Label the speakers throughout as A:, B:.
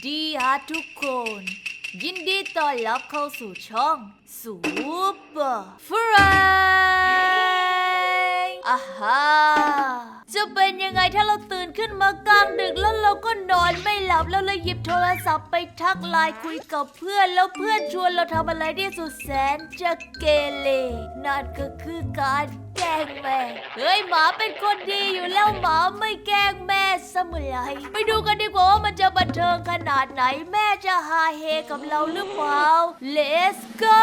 A: ดีฮะทุกคน ยินดีต้อนรับเข้าสู่ช่องซูเปอร์ฟรายอาฮาจะเป็นยังไงถ้าเราตื่นขึ้นมากลางดึกแล้วเราก็นอนไม่หลับแล้วเลยหยิบโทรศัพท์ไปทักไลน์คุยกับเพื่อนแล้วเพื่อนชวนเราทำอะไรที่สุดแสนจะเกเรนั่นก็คือการแกล้งแม่เฮ้ยหมาเป็นคนดีอยู่แล้วหมาไม่แกล้งแม่เสมอไรไปดูกันดีกว่าว่ามันจะบันเทิงขนาดไหนแม่จะฮาเฮกับเราหรือเปล่า Let's go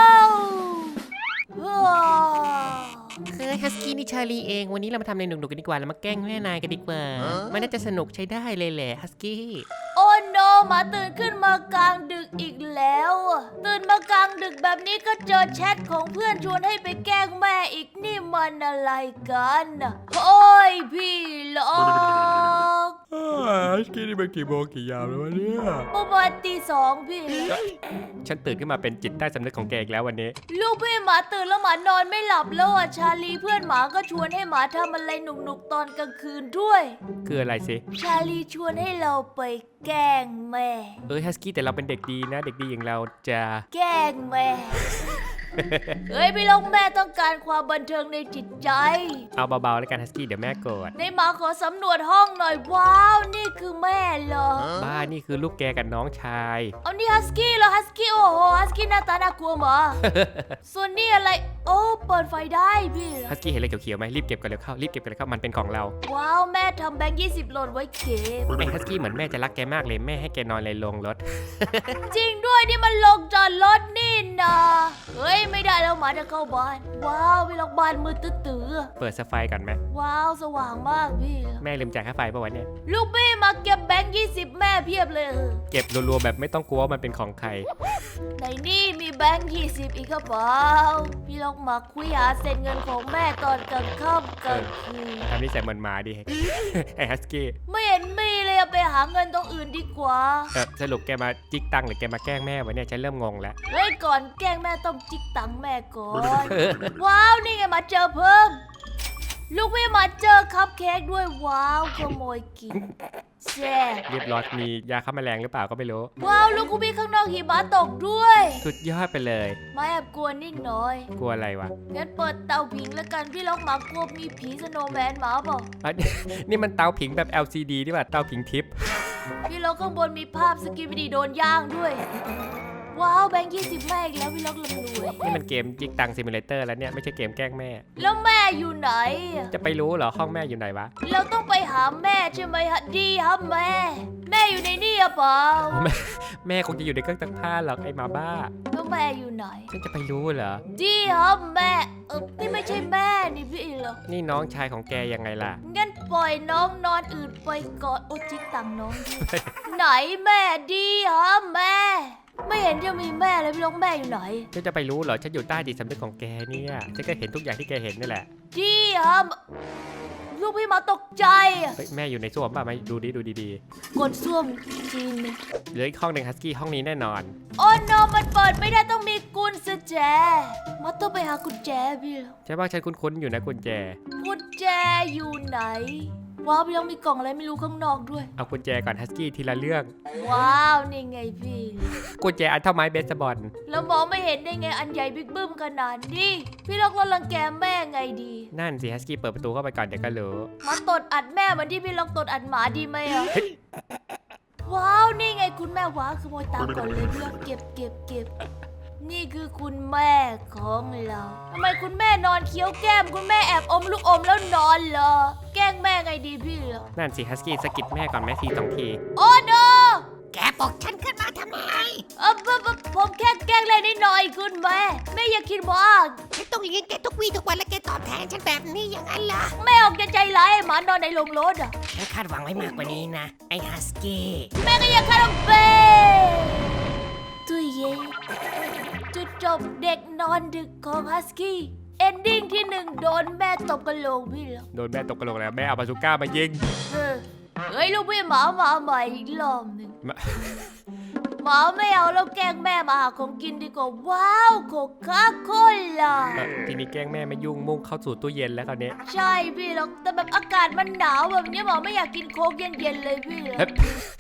B: ฮัสกี้นี่ชาลีเองวันนี้เรามาทำอะไรหนุกๆกันดีกว่าแล้วมาแกล้งแม่นายกันดีกว่ามันน่าจะสนุกใช้ได้เลยแหละฮัสกี้
A: โอ้โนหมาตื่นขึ้นมากลางดึกอีกแล้วตื่นมากลางดึกแบบนี้ก็เจอแชทของเพื่อนชวนให้ไปแกล้งแม่อีกนี่มันอะไรกันโอ้ยพี่ล็อก
C: ฮัสกี้นี่มันกี่โมงกี่ยามแล้ววะเนี่ย
A: ประมาณตีสองพี่
C: ฉันตื่นขึ้นมาเป็นจิตใต้สำนึกของแกอีกแล้ววันนี้
A: ลูกพี่หมาตื่นแล้วหมานอนไม่หลับแล้วอ่ะชาลีเพื่อนหมาก็ชวนให้หมาทำอะไรหนุกๆตอนกลางคืนด้วย
C: คืออะไรสิ
A: ชาลีชวนให้เราไปแกล้งแม่
C: ฮัสกี้แต่เราเป็นเด็กดีนะเด็กดีอย่างเราจะ
A: แกล้งแม่ เฮ้ยพี่ลงแม่ต้องการความบันเทิงในจิตใจ
C: เอาเบาๆแล้วกันฮัสกี้เดี๋ยวแม่โกรธ
A: ในหมาขอสำรวจห้องหน่อยว้าวนี่คือแม่เหรอ
C: บ้านี่คือลูกแกกับน้องชาย
A: เอานี่ฮัสกี้เหรอฮัสกี้โอ้โหฮัสกี้หน้าตาน่ากลัวหมา ส่วนนี่อะไรโอ้เปิดไฟได้พี่
C: ฮัสกี้เห็นอะไรเขียวๆไหมรีบเก็บกันเลยเข้ารีบเก็บกันเลยเข้ามันเป็นของเรา
A: ว้าวแม่ทำแบงค์20หล่นไว้เก็บ
C: ไอ้ฮัสกี้เหมือนแม่จะรักแกมากเลยแม่ให้แกนอนเลยลงรถ
A: จริงด้วยนี่มันลงจอดรถนี่นะเฮ้ยไม่ได้แล้วหมาจะเข้าบ้านว้าวพี่ล็อกบ้านมืดตื้อ
C: เปิดสไฟก่อนไหม
A: ๆว้าวสว่างมากพี่
C: แม่ลืมจ่ายค่าไฟป่ะวันนี้
A: ลูกพี่มาเก็บแบงค์20แม่เพียบเลย
C: เก็บรัวๆแบบไม่ต้องกลัวว่ามันเป็นของใคร
A: ในนี่มีแบงค์20อีกกระเป๋าพี่ล็อกมาคุยหาเซ็นเงินของแม่ตอนกลางค่ำกลางคืน
C: ทำนิสัยเหมือนหมาดิ ไอ้ฮัสกี้
A: ไม่เห็นมีเลยเอาไปหาเงินตรงอื่นดีกว่า
C: สรุปแกมาจิกตังค์หรือแกมาแกล้งแม่วะเนี่ยฉันเริ่มงงแล้ว
A: เฮ้ยก่อนแกล้งแม่ต้องจิกตังค์แม่ก่อน ว้าวนี่ไงมาเจอเพิ่ม ลูกพี่มาเจอคัพเค้กด้วยว้าวขโมยกินแซ่บ
C: เรียบร้อยมียาฆ่าแมลงหรือเปล่าก็ไม่รู้
A: ว้าวลูกพี่ข้างนอกหิมะตกด้วย
C: สุดยอดไปเลย
A: มาแอบกลัวนิดหน่อย
C: กลัวอะไรวะ
A: งั้นเปิดเตาผิงแล้วกันพี่ล็อกหมากลัวมีผีสโนว์แมนหมาเปล่า
C: อ่ะ นี่มันเตาผิงแบบ LCD นี่ป่ะเตาผิงทิพย์
A: พี่ล็อกข้างบนมีภาพสกิปดีโดนย่างด้วย ว้าวแบงค์20แม่อีกแล้วพี่ล็อกลำรวย
C: นี่มันเกมจิกตังซิมูเลเตอร์แล้วเนี่ยไม่ใช่เกมแกล้งแม่
A: แล้วแม่อยู่ไหน
C: จะไปรู้เหรอห้องแม่อยู่ไหนวะ
A: เราต้องไปหาแม่ใช่ไหมฮะดีครับแม่ แม่อยู่ในนี่หรือเปล่า
C: แม่คงจะอยู่ในเครื่องซักผ้าหรอกไอ้หมาบ้า
A: แล้วแม่อยู่ไหน
C: ฉันจะไปรู้เหรอ
A: ดีครับแม่นี่ไม่ใช่แม่นี่พี่เหรอ
C: นี่น้องชายของแกยังไงล่ะ
A: งั้นปล่อยน้องนอนอื่นไปก่อนโอ้จิกตังน้องด้วย ไหนแม่ดีครับแม่ ไม่เห็นจะมีแม่เลยพี่ล็อกแม่อยู่ไหน
C: ฉันจะไปรู้เหรอฉันอยู่ใต้จิตสำนึกของแกเนี่ยฉันก็เห็นทุกอย่างที่แกเห็นนี่แหละ
A: ดีครับลูกพี่มาตกใจอะ
C: เฮ้ยแม่อยู่ในส้วมป่ะมาดูดี
A: กดส้วมจีนเลย
C: ๆเหลืออีกห้องหนึ่งฮัสกี้ห้องนี้แน่นอน
A: โอ้โนมันเปิดไม่ได้ต้องมีกุญแจมาต้องไปหากุญแจพี่แล้ว
C: ใช่ป่ะฉันคุ้นๆอยู่นะกุญแจ
A: กุญแจอยู่ไหนว้าวพี่ยังมีกล่องอะไรไม่รู้ข้างนอกด้วย
C: เอากุญแจก่อนฮัสกี้ทีละเรื่อง
A: ว้าวนี่ไงพี่
C: กุญแจอันเท่าไม้เบสบอล
A: แล้วมองไม่เห็นได้ไงอันใหญ่บิ๊กบึ้มขนาดนี้พี่ล็อกเรารังแกแม่ไงดี
C: นั่นสิฮัสกี้เปิดประตูเข้าไปก่อนเดี๋ยวก็รู้
A: มาตดอัดแม่เหมือนที่พี่ล็อกตดอัดหมาดีไหมอะว้าวนี่ไงคุณแม่ว้าวขโมยตังค์ก่อนเลยเพื่อเก็บนี่คือคุณแม่ของเราทำไมคุณแม่นอนเคี้ยวแก้มคุณแม่แอบอมลูกอมแล้วนอนเหรอแกล้งแม่ไงดีพี่เหรอ
C: นั่นสิฮัสกี้สะกิดแม่ก่อนแม่ที2 ที
A: โอ้โน
B: แกปลุกฉันขึ้นมาทำไม
A: ผมแค่แกล้งเล่นนิดหน่อยคุณแม่อย่าคิดมาก
B: ฉันต้องเลี้ยงแกทุกวี่ทุกวันและแกตอบแทนฉันแบบนี้ยังไงล่ะ
A: แม่ออกจะใจร้ายให้หมานอนในโรงรถอ่ะ
B: ฉันคาดหวังไว้มากกว่านี้นะไอ้ฮัสกี้
A: แม่ก็ยังคาราเบตุ้ยเย่จุดจบเด็กนอนดึกของฮัสกี้เอนดิ้งที่1โดนแม่ตบกระโหลกพี่เหรอ
C: โดนแม่ตกกระโหลกแล้วแม่เอาบาซูก้ามายิง
A: เฮ้ยลูกพี่หมามาใหม่อีกรอบหนึ่ง
C: มา
A: หมาไม่เอาแล้วแกล้งแม่มาหาของกินดีกว่าว้าวโคคาโคล่า
C: ทีนี้แกล้งแม่ไม่ยุ่งมุ่งเข้าสู่ตู้เย็นแล้วคราวนี้
A: ใช่พี่หรอกแต่แบบอากาศมันหนาวแบบนี้หมาไม่อยากกินโค้กเย็นๆเลยพี่เหรอ
C: เฮ้ย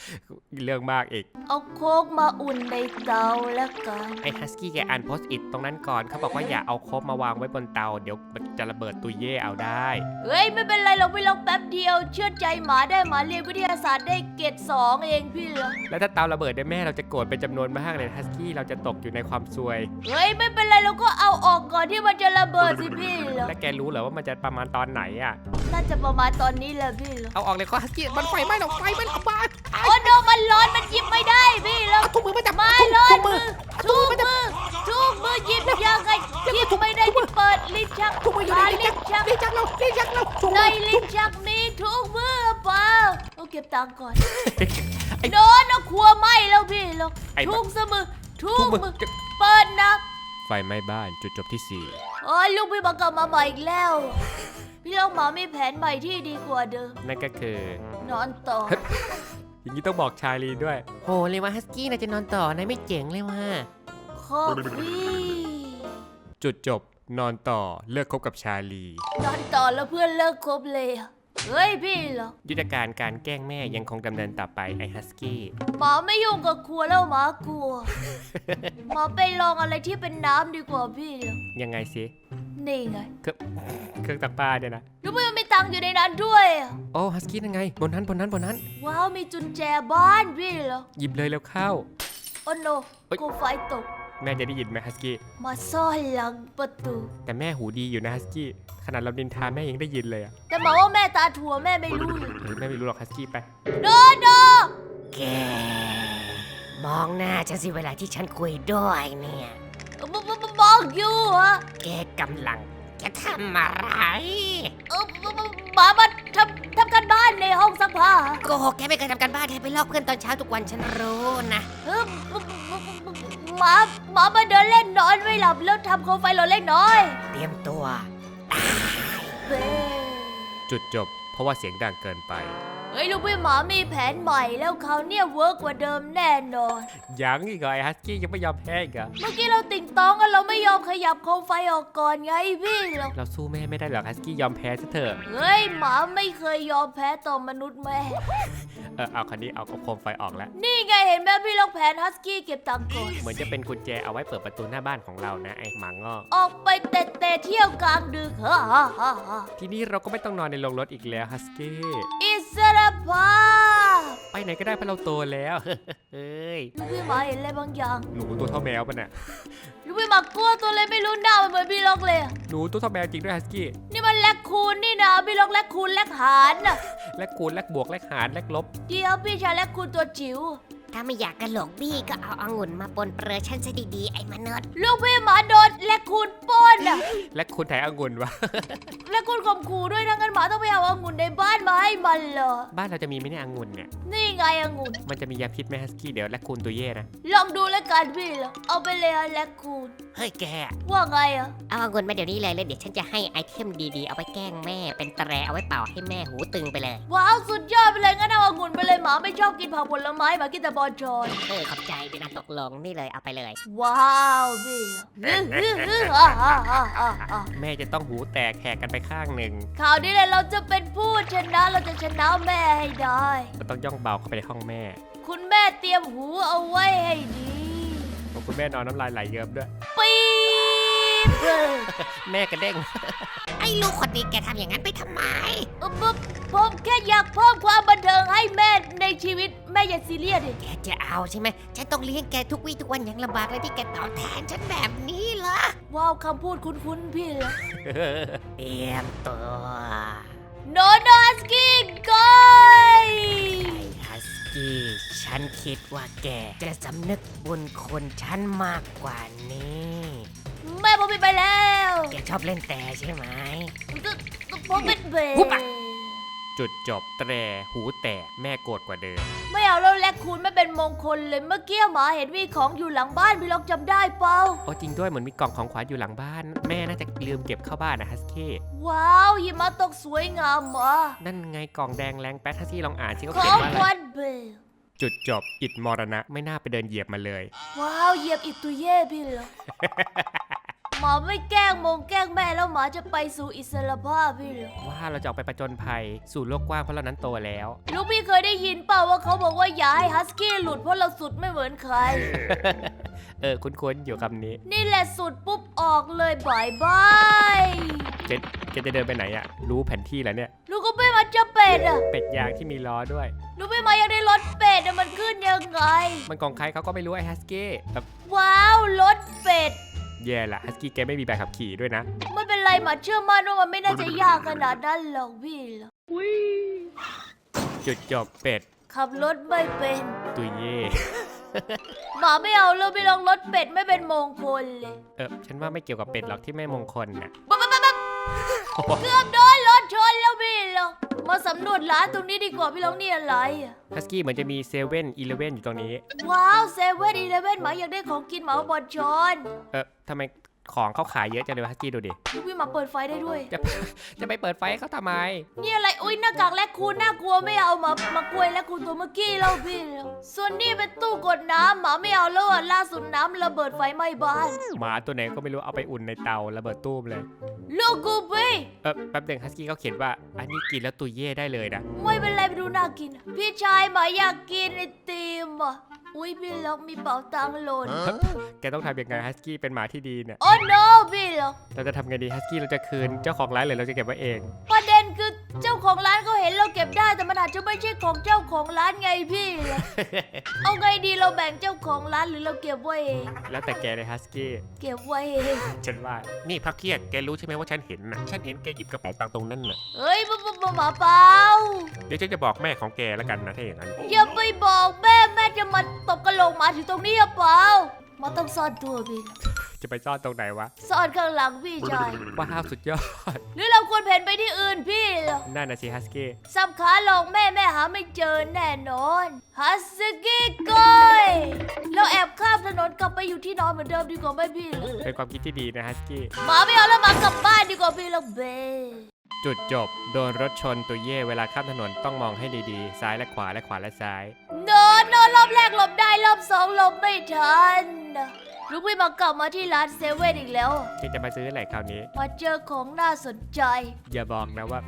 C: เรื่องมากอีก
A: เอาโค้กมาอุ่นในเตาแล้วกัน
C: ไอ้ฮัสกี้แกอ่านโพสต์อิทตรงนั้นก่อนเขาบอกว่าอย่าเอาโคบมาวางไว้บนเตาเดี๋ยวมันจะระเบิดตุยเย่เอาได้
A: เฮ้ยไม่เป็นไรเราไปลองแป๊บเดียว เชื่อใจหมาได้หมาเรียนวิทยาศาสตร์ได้เกรด2เองพี่เหรอ
C: แล้วถ้าเตาระเบิดได้แม่เราจะโกรธเป็นจำนวนมากเลยฮัสกี้เราจะตกอยู่ในความซวย
A: เฮ้ยไม่เป็นไรเราก็เอาออกก่อนที่มันจะระเบิดสิพี่เหรอ
C: แล้วแกรู้เหรอว่ามันจะประมาณตอนไหนอ่ะ
A: น่าจะประมาณตอนนี้แหละพี่เหรอ
B: เอาออกเลยก็ฮัสกี้มันไฟไหม้หรอกไฟไหม้หรอกบ้า
A: โอ้โนมันร้อนมันหยิบไม่ได้พี่เหรอ
B: ถุงมือมาจับ
A: ไม่
B: ถุง
A: ร้อน
B: มื
A: มื
B: อ
A: อทุกมือหยิบยังไงหยิบไม่ได้ที่เปิดลิ้นชัก
B: ถุงมืออยู่ในลิ้นชักลิ้นชักเราถุง
A: ใน
B: มือ
A: ลิ้นชักนี้ทุกมือเปล่าเอาเก็บตังค์ก่อน
B: ไอ้
A: โดนเอาครัวไหม้แล้วพี่เหรอ
C: ไอ้
A: ทุกมือทุ
C: ทุ
A: ก
C: กมื
A: มื
C: อ
A: อเปิดนะ
C: ไฟไหม้บ้านจุดจบที่
A: โอ้ยลูกพี่มากลับมาใหม่อีกแล้ว พี่ลองหมามีแผนใหม่ที่ดีกว่าเดิม
C: 4นั่นก็คือน
A: อนต่อ
C: อย่างนี้ต้องบอกชาลีด้วย
B: โหเลยว่าฮัสกี้น่าจะนอนต่อนายไม่เจ๋งเลยว่า
A: คอฟี่
C: จุดจบนอนต่อเลิกคบกับชาลี
A: นอนต่อแล้วเพื่อนเลิกคบเลยอะเฮ้ยพี่เหรอ
C: ยุทธการการแกล้งแม่ยังคงดำเนินต่อไปไอ้ฮัสกี้
A: หมาไม่ยุ่งกับครัวแล้วหมากลัว หมาไปลองอะไรที่เป็นน้ำดีกว่าพี่เหรอ
C: ยังไงสิ
A: นี่ไง
C: เครื่องตักปลาเนี่ยนะ
A: รู้ไหมมันมีตังค์อยู่ในนั้นด้วยอะ
B: โอ้ฮัสกี้ยังไงบนนั้น
A: ว้าวมีจุนแจบ้านพี่เหรอ
C: หยิบเลยแล้วเข้า
A: โอ้โน
C: เฮ้ย
A: โคมไฟตก
C: แม่จะได้ยินไหมฮัสกี้
A: มาซ่อนหลังประตู
C: แต่แม่หูดีอยู่นะฮัสกี้ขนาดเราดินทาแม่ยังได้ยินเลยอะ
A: แต่หมาว่าแม่ตาถั่วแม่ไม่รู้เลย
C: แม่ไม่รู้หรอกฮัสกี้ไป
A: โนโน
B: แกมองหน้าฉันสิเวลาที่ฉันคุยด้วยเนี่ย
A: บอกอยู่ฮะ
B: แกกำลังจะทำอะไร
A: หมามาทำการบ้านในห้องซักผ้า
B: โกหกแกไม่เคยทำการบ้านแกไปลอกเพื่อนตอนเช้าทุกวันฉันรู้นะ
A: เออหมามาเดินเล่นนอนไม่หลับแล้วทำโคมไฟหล่นเล็กน้อย
B: เตรียมตัว
A: เบ้
C: จุดจบ เพราะว่าเสียงดังเกินไป
A: เฮ้ยลูกพี่หมามีแผนใหม่แล้วเขาวเนี่ยเวิร์กกว่าเดิมแน่นอน
C: ยังอีกเหรอไอ้ฮัสกี้ยังไม่ยอมแพ้อีกเหรอ
A: เมื่อกี้เราติ่งต้องกันเราไม่ยอมขยับโคมไฟออกก่อนไงพี่หรอก
C: เราสู้แม่ไม่ได้หรอกฮัสกี้ยอมแพ้ซะเถอะ
A: เฮ้ยหมาไม่เคยยอมแพ้ต่อมนุษย์แม่
C: เอาคันนี้เอาโคมไฟออกแล้ว
A: นี่ไงเห็นไหมพี่ลองแผนฮัสกี้เก็บตังค์ก่อน
C: เหมือนจะเป็นกุญแจเอาไว้เปิดประตูหน้าบ้านของเรานะไอ้หมางอก
A: ออกไปเตะเที่ยวกลางดึกฮ่าฮ่าฮ่าฮ่า
C: ทีนี้เราก็ไม่ต้องนอนในโรงรถอีกแล้วฮัสกี้
A: อิสรภาพ
C: ไปไหนก็ได้เพราะเราโตแล้ว เฮ้ย
A: ลูกพี่หมาเห็นอะไรบางอย่าง
C: หนูตัวเท่าแมวปะเนี่ย
A: ลูกพี่หมากลัวตัวเลยไม่รู้หน้ามันเหมือนพี่ล็อกเลยอะ
C: หนูตัวเท่าแมวจริงด้วยฮัสกี้
A: นี่มันแลกคูณนี่นะพี่ล็อกแลกคูณแลกหารน่ะ
C: แลกคูณแลกบวกแลกหารแลกลบ
A: เดี๋ยวพี่ชายแลกคูณตัวจิ๋ว
D: ถ้าไม่อยากกระโหลกบี้ก็เอาองุ่นมาปนเปื้อนฉันซะดีๆไอ้มนุษย์
A: ลูกพี่หมาโดนแลกคูณปล้นน่ะ
C: แลกคูณแถองุ่นวะ
A: แลกคูณข่มขู่ด้วยทั้งนั้นหมาต้องไปเอาองุ่นในบ้านมาให้มันเหรอ
C: บ้านเราจะมีไหมเนี่ยองุ่นเนี่ย
A: นี่ไงองุ่น
C: มันจะมียาพิษไหมฮัสกี้เดี๋ยวแลกคูณตัวเย่นะ
A: ลองดูแล้วกันพี่เหรอเอาไปเลยอะแลกคูณ
B: เฮ้ยแก
A: ว่าไงอะ
D: เอาองุ่นมาเดี๋ยวนี้เลยแล้วเดี๋ยวฉันจะให้ไอเทมดีๆ เอาไปแกล้งแม่ เป็นแตรเอาไว้เป่าให้แม่หูตึงไปเลย
A: ว้าวสุดยอดไปเลยงั้นเอาองุ่นไปเลยหมาไม่ชอบกินผักผลไม้หมากินแต่บอลชอน
D: ขอบใจเป็นอันตกลงนี่เลยเอาไปเลย
A: ว้าวพี่ฮ่าฮ่าฮ่าฮ่าฮ่า
C: แม่จะต้องหูแตกแหกกันไปข้างหนึ่ง
A: ข่าวนี้เลยเราจะเป็นผู้ชนะเราจะชนะแม่ให้ได้
C: เราต้องย่องเบาเข้าไปในห้องแม่
A: คุณแม่เตรียมหูเอาไว้ให้ดี
C: เพราะคุณแม่นอนน้ำลายไหลเยิ้มด้วย
A: ปี๊บ
C: แม่กระเด้ง
D: ไอ้ลูกคนนี้แกทำอย่างนั้นไปทำไม
A: ผมแค่อยากเพิ่มความบันเทิงให้แม่ในชีวิตแม่อย่าซีเรียสดิ
D: แกจะเอาใช่ไหมฉันต้องเลี้ยงแกทุกวี่ทุกวันอย่างลำบากเลยที่แกตอบแทนฉันแบบนี้เหรอ
A: ว้าวคำพูดคุ้นๆพี่เหรอ
D: เตรียมตัว
A: โนโนสกี้กอย
D: ฮัสกี้ฉันคิดว่าแกจะสำนึกบุญคุณฉันมากกว่านี้
A: แม่ผมไปแล้ว
D: แกชอบเล่นแต่ใช่ไหม
A: ผมเป็นเบ
D: หุบปาก
C: จุดจบแตรหูแตกแม่โกรธกว่าเดิม
A: ไม่เอาแล้วแลกคูณไม่เป็นมงคลเลยเมื่อกี้หมาเห็นมีของอยู่หลังบ้านพี่ล็อกจำได้เปล่า
C: โอ้จริงด้วยเหมือนมีกล่องของขวัญอยู่หลังบ้าน แม่น่าจะลืมเก็บเข้าบ้านนะฮัสกี้
A: ว้าวหิมะตกสวยงามมา
C: นั่นไงกล่องแดงแรงแป๊ดฮัสกี้ลองอ่านสิเขา
A: ข
C: เขีย
A: อน ง
C: ว่าอะ
A: ข
C: ไร
A: วัญเบล
C: จุดจบอิดมรณะไม่น่าไปเดินเหยียบมาเลย
A: ว้าวเหยียบอิตุเย่พี่เหรอหมาไม่แกล้งแกล้งแม่แล้วหมาจะไปสู่อิสรภาพพี่เหรอ
C: ว่าเราจะออกไปประจนภัยสู่โลกกว้างเพราะเรานั้นโตแล้ว
A: ลูกพี่เคยได้ยินเปล่าว่าเขาบอกว่าอย่าให้ฮัสกี้หลุดเพราะเราสุดไม่เหมือนใคร
C: คุ้นๆอยู่คำนี้
A: นี่แหละสุดปุ๊บออกเลยบายบาย
C: เจนจะเดินไปไหนอะรู้แผนที่แล้วเนี่ย
A: ลูกก็ไม่มาจะเป็ดอ่ะ
C: เป็ดยางที่มีล้อด้วย
A: ลูกไม่มายังได้รถเป็ดอะมันขึ้นยังไง
C: มันของใครเขาก็ไม่รู้ไอ้ฮัสกี้แบบ
A: ว้าวรถเป็ด
C: แย่ละฮัสกี้แกไม่มีใบขับขี่ด้วยนะ
A: ไม่เป็นไรหมาเชื่อมั่นว่ามันไม่น่าจะยากขนาดนั้นหรอกพี่เหรอ
C: จุดจบเป็ด
A: ขับรถไม่เป็น
C: ตุยเย่
A: หมาไม่เอาเลยไปลองรถเป็ดไม่เป็นมงคลเลย
C: ฉันว่าไม่เกี่ยวกับเป็ดหรอกที่ไม่มงคลน่ะ
A: ปั๊บเกือบโดนรถชนแล้วพี่เหรอมาสำรวจร้านตรงนี้ดีกว่าพี่ลองนี่อะไรอะ
C: ฮัสกี้เหมือนจะมีเซเว่นอีเลฟเว่นอยู่ตรงนี้
A: ว้าวเซเว่นอีเลฟเว่นหมาอยากได้ของกินหมาบอลชน
C: ทำไมของเขาขายเยอะจังเลยฮัสกี้ดูดิ
A: ลูกพี่หมาเปิดไฟได้ด้วย
C: จะไปเปิดไฟให้เขาทำไม
A: นี่อะไรอุ้ยหน้ากากแลคคูนน่ากลัวไม่เอามากล้วยแลคคูนตัวเมื่อกี้แล้วพี่แล้วส่วนนี่เป็นตู้กดน้ำหมาไม่เอาแล้วอ่ะล่าสุดน้ำระเบิดไฟไหม้บ้าน
C: หมาตัวไหนก็ไม่รู้เอาไปอุ่นในเตาระเบิดตู้มเลย
A: ลูกกูพี่
C: แป๊บหนึงฮัสกี้เขาเขียนว่าอันนี้กินแล้วตุยเย่ได้เลยนะ
A: ไม่เป็นไรไปดูน่ากิน พี่ชายหมาอยากกินไอติมอ่ะอุ้ยพี่ล็อกมีเป๋าตังค์หล่น
C: แกต้องทำยังไงฮัสกี้เป็นหมาที่ดีเนี่ย
A: โอ้ no พี่ล็อก
C: เราจะทำไงดีฮัสกี้เราจะคืนเจ้าของร้านหรือเราจะเก็บไว้เอง
A: ประเด็นคือเจ้าของร้านเขาเห็นเราเก็บได้แต่มันอาจจะไม่ใช่ของเจ้าของร้านไงพี่ล็อกเอาไงดีเราแบ่งเจ้าของร้านหรือเราเก็บไว้เอง
C: แล้วแต่แกเลยฮัสกี้
A: เก็บไว้เอง
C: ฉันว่า นี่พักเที่ยงแกรู้ใช่ไหมว่าฉันเห็นนะฉันเห็นแกหยิบกระเป๋าตังค์ตรงนั้นน่ะ
A: เฮ้ยหมาเปล่า
C: เดี๋ยวฉันจะบอกแม่ของแกแล้วกันนะถ้าอย่างนั้น
A: อย่าไปบอกแม่จะมาตบกระโหลกหมาถึงตรงนี้หรือเปล่ามาต้องซ่อนตัวพี่
C: จะไปซ่อนตรงไหนวะ
A: ซ่อนข้างหลังพี่ชาย
C: ว้าวสุดยอด
A: หรือเราควรเพ่นไปที่อื่นพี่เหรอ
C: นั่นนะสิฮัสกี้
A: สับขาหลอกแม่หาไม่เจอแน่นอนฮัสกี้ก้อยเราแอบข้ามถนนกลับไปอยู่ที่นอนเหมือนเดิมดีกว่าไหมพี่เหรอ
C: เป็นความคิดที่ดีนะฮัสกี้
A: หมาไม่เอาแล้วหมากลับบ้านดีกว่าพี่เหรอเบ
C: จุดจบโดนรถชนตัวเย่เวลาข้ามถนนต้องมองให้ดีๆ ซ้ายและขวาและขวาและซ้าย
A: โนรอบแรกหลบได้รอบสองหลบไม่ทันลูกพี่มากลับมาที่ร้านเซเว่นอีกแล้ว
C: ที่จะมาซื้ออะไรคราวนี้
A: มาเจอของน่าสนใจ
C: อย่าบอกนะว่า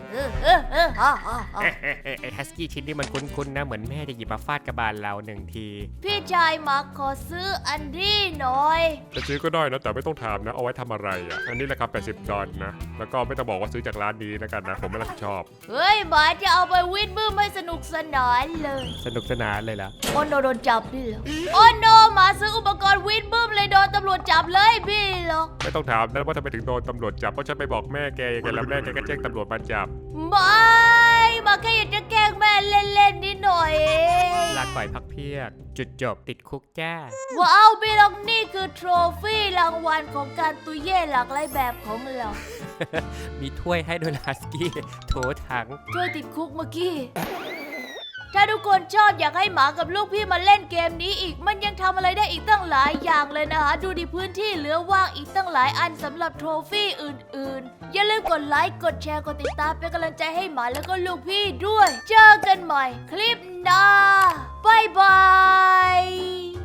C: ไอ้ฮัสกี้ชิ้นนี้มันคุ้นๆนะเหมือนแม่จะหยิบมาฟาดกระบาลเราหนึ่งที
A: พี่ชายมาขอซื้ออันนี้หน่อย
E: จะซื้อก็ได้นะแต่ไม่ต้องถามนะเอาไว้ทำอะไรอ่ะอันนี้ราคา$80นะแล้วก็ไม่ต้องบอกว่าซื้อจากร้านนี้นะกันนะผมไม่รับผิดชอบ
A: เฮ้ยหมาจะเอาไปวิ่งบื้มให้สนุกสนานเลย
C: สนุกสนานเลยล่ะ
A: โอ้โนโดนจับพี่เหรอโอ้โนหมาซื้ออุปกรณ์วิ่งบื้มเลยโดนตำรวจจับเลยพี่เหรอ
E: ไม่ต้องถามนะว่าทำไมถึงโดนตำรวจจับเพราะฉันไปบอกแม่แกยังไงแล้วแม่แกก็แจ้งตำรวจมาจับ
A: ไม่มาแค่อยากจะแกล้งแม่เล่นๆนิดหน่อยเอง
C: ลาก่อยพักเพียก จุดจบติดคุกจ้า
A: ว้าวพี่ลองนี่คือโทรฟี่รางวัลของการตุยเย่หลากหลายแบบของเรา
C: มีถ้วยให้ด้วยฮัสกี้โถถัง
A: ช่วยติดคุกเมื่อกี้ ถ้าทุกคนชอบอยากให้หมากับลูกพี่มาเล่นเกมนี้อีก มันยังทำอะไรได้อีกตั้งหลายอย่างเลยนะคะ ดูดิพื้นที่เหลือว่างอีกตั้งหลายอันสำหรับโทรฟี่อื่นๆ อย่าลืมกดไลค์ กดแชร์ กดติดตามเป็นกำลังใจให้หมาแล้วก็ลูกพี่ด้วย เจอกันใหม่คลิปหน้า บ๊ายบาย